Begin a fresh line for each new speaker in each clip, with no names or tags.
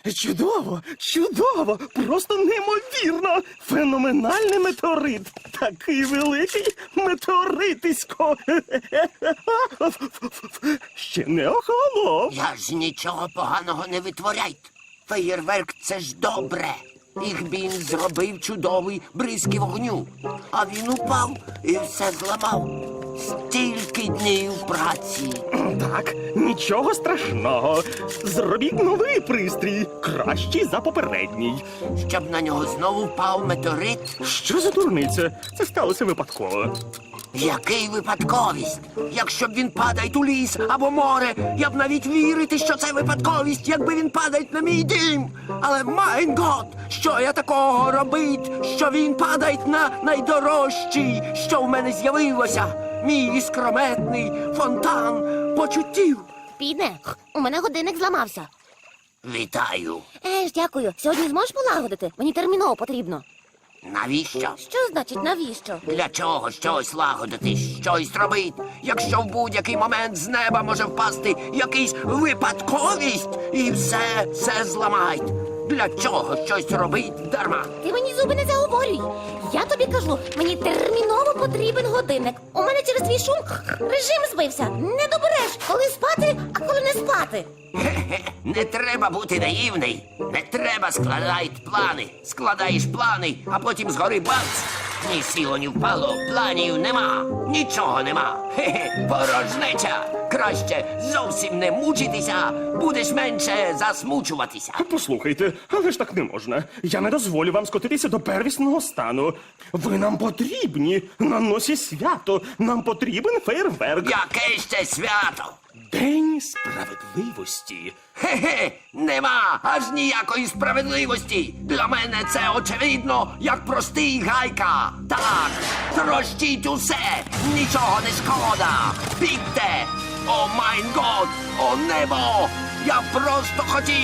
Чудово, чудово, просто неймовірно. Феноменальний метеорит. Такий великий метеоритисько. Ще не охолонув.
Я ж нічого поганого не витворяйте. Феєрверк – це ж добре. Ігбін зробив чудовий бризки вогню. А він упав і все зламав. Стільки днів праці.
Так, нічого страшного. Зробіть новий пристрій, кращий за попередній.
Щоб на нього знову впав метеорит.
Що за дурниця? Це сталося випадково.
Який випадковість? Якщо б він падає у ліс або море, я б навіть вірити, що це випадковість, якби він падає на мій дім. Але, майн гот, що я такого робить, що він падає на найдорожчий, що в мене з'явилося? Мій іскрометний фонтан почуттів.
Піде, у мене годинник зламався.
Вітаю.
Дякую. Сьогодні зможеш полагодити? Мені терміново потрібно.
Навіщо?
Що значить навіщо?
Для чого щось лагодити, щось робити, якщо в будь-який момент з неба може впасти якийсь випадковість і все зламають? Для чого щось робить дарма?
Ти мені зуби не заговорюй. Я тобі кажу, мені терміново потрібен годинник. У мене через твій шум режим збився. Не добереш, коли спати, а коли не спати.
Хе-хе, не треба бути наївний. Не треба складати плани. Складаєш плани, а потім згори бац. Ні сіло, ні впало, планів нема, нічого нема. Хе-хе, порожнеча. Краще зовсім не мучитися, будеш менше засмучуватися.
Послухайте, але ж так не можна. Я не дозволю вам скотитися до первісного стану. Ви нам потрібні. На носі свято. Нам потрібен фейерверк.
Яке ще свято?
День справедливості.
Хе-хе, нема аж ніякої справедливості. Для мене це очевидно, як простий гайка. Так, трощіть усе, нічого не шкода. Бігте! О майн год, о небо! Я просто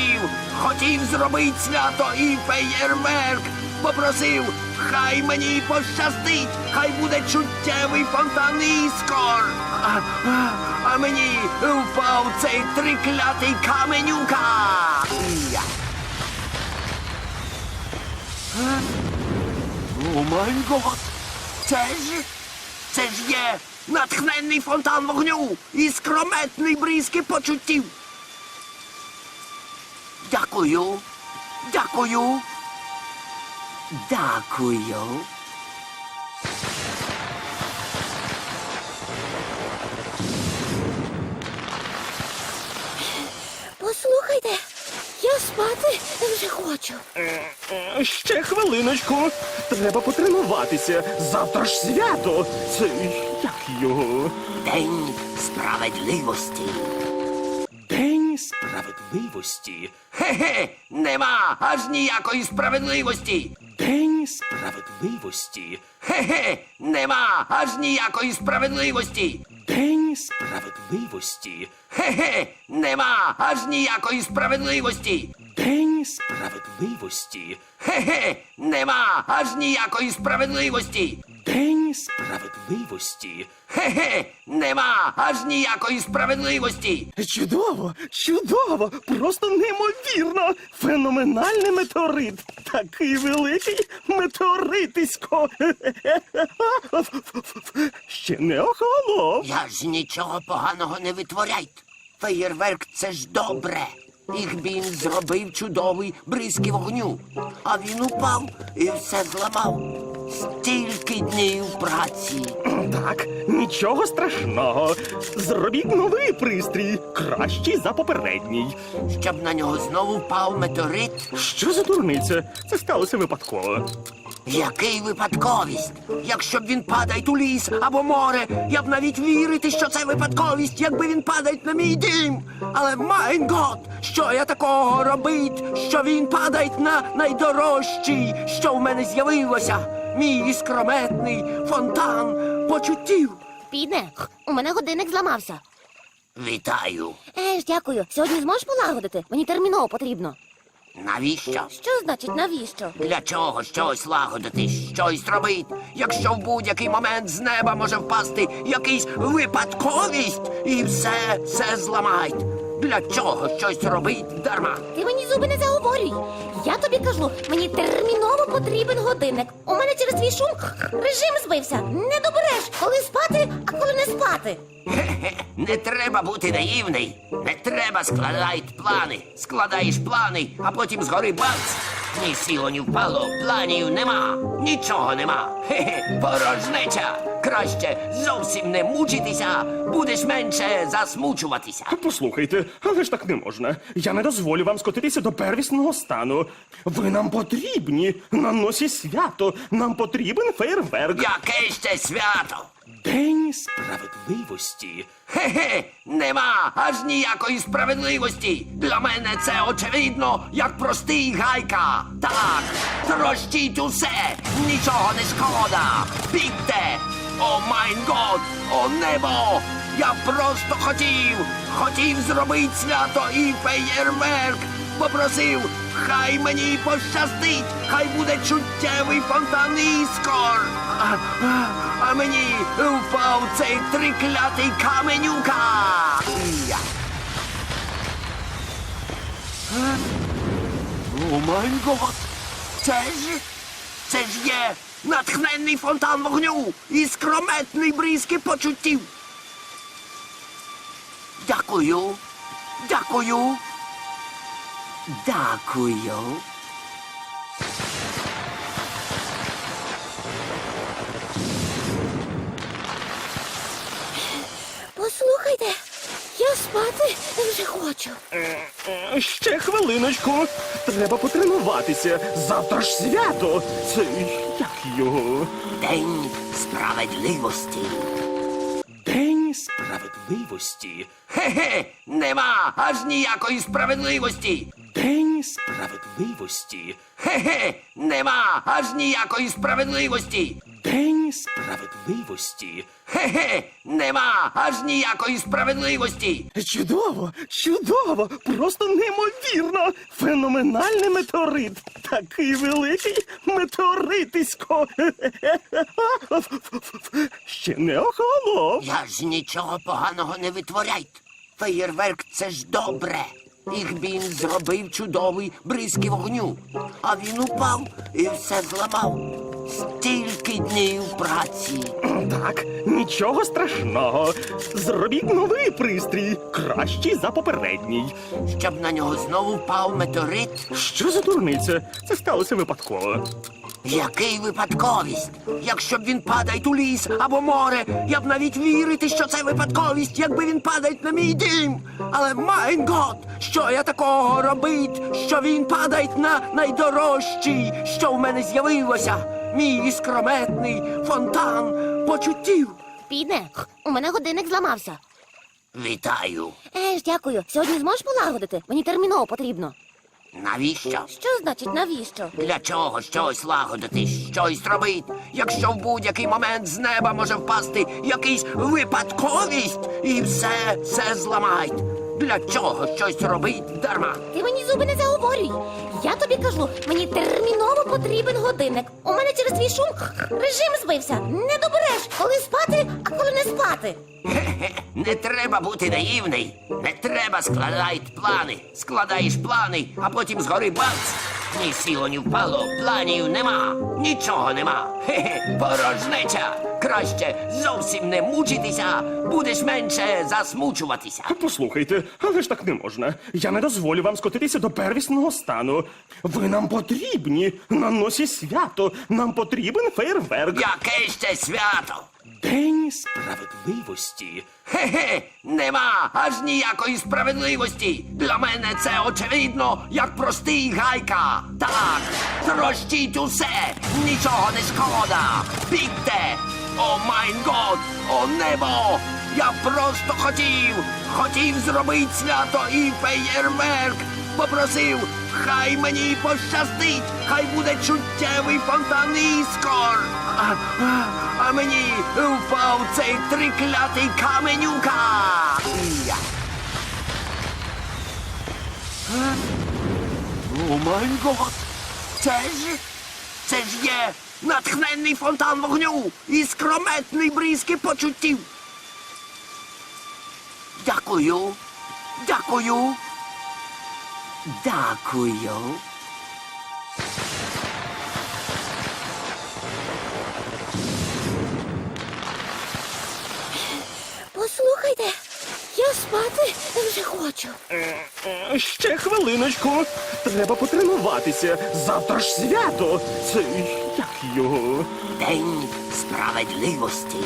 хотів зробити свято і феєрверк. Попросив, хай мені пощастить, хай буде чуттєвий фонтан іскор. А мені впав цей триклятий каменюка. Я. О май гот! Це ж є натхненний фонтан вогню і скрометний бризки почуттів. Дякую. Дякую. Дякую.
Послухайте, я спати вже хочу.
Ще хвилиночку. Треба потренуватися. Завтра ж свято. Це як його?
День справедливості.
День справедливості.
Хе-хе, нема аж ніякої справедливості.
День справедливості.
Хе-хе, нема аж ніякої справедливості.
День справедливості.
Хе-хе, нема аж ніякої справедливості.
День справедливості.
Хе-хе, нема аж ніякої справедливості.
День справедливості.
Хе-хе, нема аж ніякої справедливості.
Чудово, чудово, просто неймовірно. Феноменальний метеорит. Такий великий метеоритисько. Ще не охолонув.
Я ж нічого поганого не витворяйте. Феєрверк – це ж добре. Ігбін зробив чудовий бризки вогню. А він упав і все зламав. Стільки днів праці.
Так, нічого страшного. Зробіть новий пристрій, кращий за попередній.
Щоб на нього знову впав метеорит.
Що за дурниця? Це сталося випадково.
Який випадковість? Якщо б він падає у ліс або море, я б навіть вірити, що це випадковість, якби він падає на мій дім. Але, майн гот, що я такого робить, що він падає на найдорожчий, що в мене з'явилося? Мій іскрометний фонтан почуттів.
Піде, у мене годинник зламався.
Вітаю.
Дякую. Сьогодні зможеш полагодити? Мені терміново потрібно.
Навіщо?
Що значить навіщо?
Для чого щось лагодити, щось робити, якщо в будь-який момент з неба може впасти якийсь випадковість і все зламають? Для чого щось робить дарма?
Ти мені зуби не заговорюй. Я тобі кажу, мені терміново потрібен годинник. У мене через твій шум режим збився. Не добереш, коли спати, а коли не спати.
Хе-хе, не треба бути наївний. Не треба складати плани. Складаєш плани, а потім згори бац. Ні сіло, ні впало, планів нема, нічого нема. Хе-хе, порожнеча. Краще зовсім не мучитися, будеш менше засмучуватися.
Послухайте, але ж так не можна. Я не дозволю вам скотитися до первісного стану. Ви нам потрібні на носі свято. Нам потрібен фейерверк.
Яке ще свято?
День справедливості.
Хе-хе, нема аж ніякої справедливості. Для мене це очевидно, як простий гайка. Так, трощіть усе, нічого не шкода. Бігте! О майн год, о небо! Я просто хотів зробити свято і феєрверк. Попросив, хай мені пощастить, хай буде чуттєвий фонтан іскор. А мені впав цей триклятий каменюка. Я. О май гот! Це ж є натхненний фонтан вогню і скрометний бризки почуттів. Дякую. Дякую. Дякую.
Послухайте, я спати вже хочу.
Ще хвилиночку. Треба потренуватися. Завтра ж свято. Це як його?
День справедливості.
День справедливості.
Хе-хе, нема аж ніякої справедливості.
День справедливості.
Хе-хе, нема аж ніякої справедливості.
День справедливості.
Хе-хе, нема аж ніякої справедливості.
Чудово, чудово, просто неймовірно. Феноменальний метеорит. Такий великий метеоритисько. Ще не охолонув.
Я ж нічого поганого не витворяйте. Феєрверк це ж добре. Їх він зробив чудовий бризки вогню. А він упав і все зламав. Стільки днів праці.
Так, нічого страшного. Зробіть новий пристрій, кращий за попередній.
Щоб на нього знову впав метеорит.
Що за дурниця? Це сталося випадково.
Який випадковість? Якщо б він падає у ліс або море, я б навіть вірити, що це випадковість, якби він падає на мій дім. Але майн гот, що я такого робить, що він падає на найдорожчий, що в мене з'явилося. Мій іскрометний фонтан почуттів.
Піде, у мене годинник зламався.
Вітаю.
Дякую. Сьогодні зможеш полагодити? Мені терміново потрібно.
Навіщо?
Що значить навіщо?
Для чого щось лагодити, щось робити, якщо в будь-який момент з неба може впасти якийсь випадковість і все зламають? Для чого щось робить дарма?
Ти мені зуби не заговорюй. Я тобі кажу, мені терміново потрібен годинник. У мене через твій шум режим збився. Не добереш, коли спати, а коли не спати.
Хе-хе, не треба бути наївний. Не треба складати плани. Складаєш плани, а потім згори бац. Ні сіло, ні впало, планів нема, нічого нема. Хе-хе, порожнеча. Краще зовсім не мучитися, будеш менше засмучуватися.
Послухайте, але ж так не можна. Я не дозволю вам скотитися до первісного стану. Ви нам потрібні на носі свято. Нам потрібен фейерверк.
Яке ще свято?
День справедливості.
Хе-хе, нема аж ніякої справедливості. Для мене це очевидно, як простий гайка. Так, трощіть усе, нічого не шкода. Бігте! О майн год, о небо! Я просто хотів зробити свято і феєрверк. Попросив, хай мені пощастить, хай буде чуттєвий фонтан іскор. А мені впав цей триклятий каменюка. Я. О май гот! Це ж є натхненний фонтан вогню і скрометний бризки почуттів. Дякую. Дякую. Дякую.
Послухайте, я спати вже хочу.
Ще хвилиночку. Треба потренуватися. Завтра ж свято. Це як його?
День справедливості.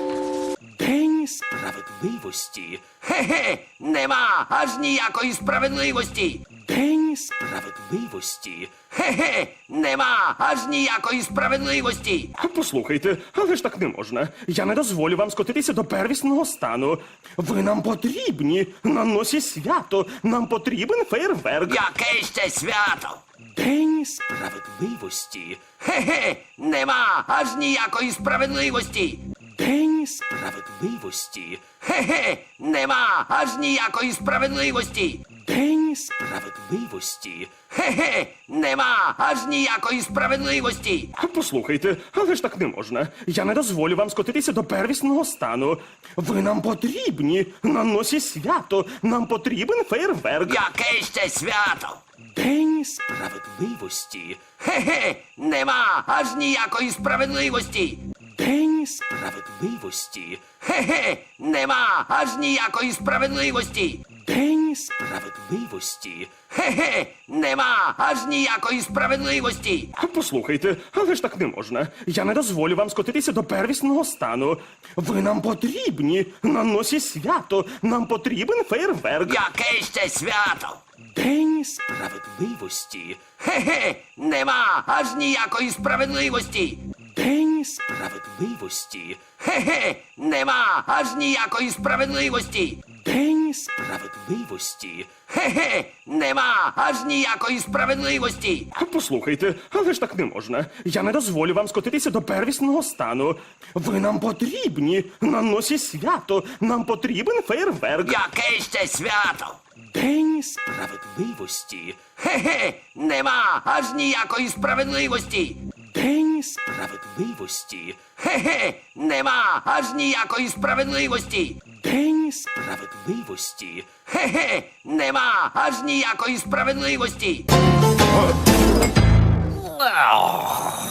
День справедливості.
Хе-хе, нема аж ніякої справедливості.
День справедливості.
Хе-хе, нема аж ніякої справедливості.
Послухайте, але ж так не можна. Я не дозволю вам скотитися до первісного стану. Ви нам потрібні. На носі свято. Нам потрібен фейерверк.
Яке ще свято?
День справедливості.
Хе-хе, нема аж ніякої справедливості.
День справедливості.
Хе-хе, нема аж ніякої справедливості.
День справедливості.
Хе-хе, нема аж ніякої справедливості.
Послухайте, але ж так не можна. Я не дозволю вам скотитися до первісного стану. Ви нам потрібні. На носі свято. Нам потрібен фейерверк.
Яке ще свято?
День справедливості.
Хе-хе, нема аж ніякої справедливості.
День справедливості.
Хе-хе, нема аж ніякої справедливості.
День справедливості.
Хе-хе, нема аж ніякої справедливості.
Послухайте, але ж так не можна. Я не дозволю вам скотитися до первісного стану. Ви нам потрібні. На носі свято. Нам потрібен фейерверк.
Яке ще свято?
День справедливості.
Хе-хе, нема аж ніякої справедливості.
День справедливості.
Хе-хе, нема аж ніякої справедливості.
День справедливості.
Хе-хе, нема аж ніякої справедливості.
Послухайте, але ж так не можна. Я не дозволю вам скотитися до первісного стану. Ви нам потрібні. На носі свято. Нам потрібен фейерверк.
Яке ще свято?
День справедливості.
Хе-хе, нема аж ніякої справедливості.
День справедливості.
Хе-хе, нема аж ніякої справедливості.
День справедливості.
Хе-хе, нема аж ніякої справедливості.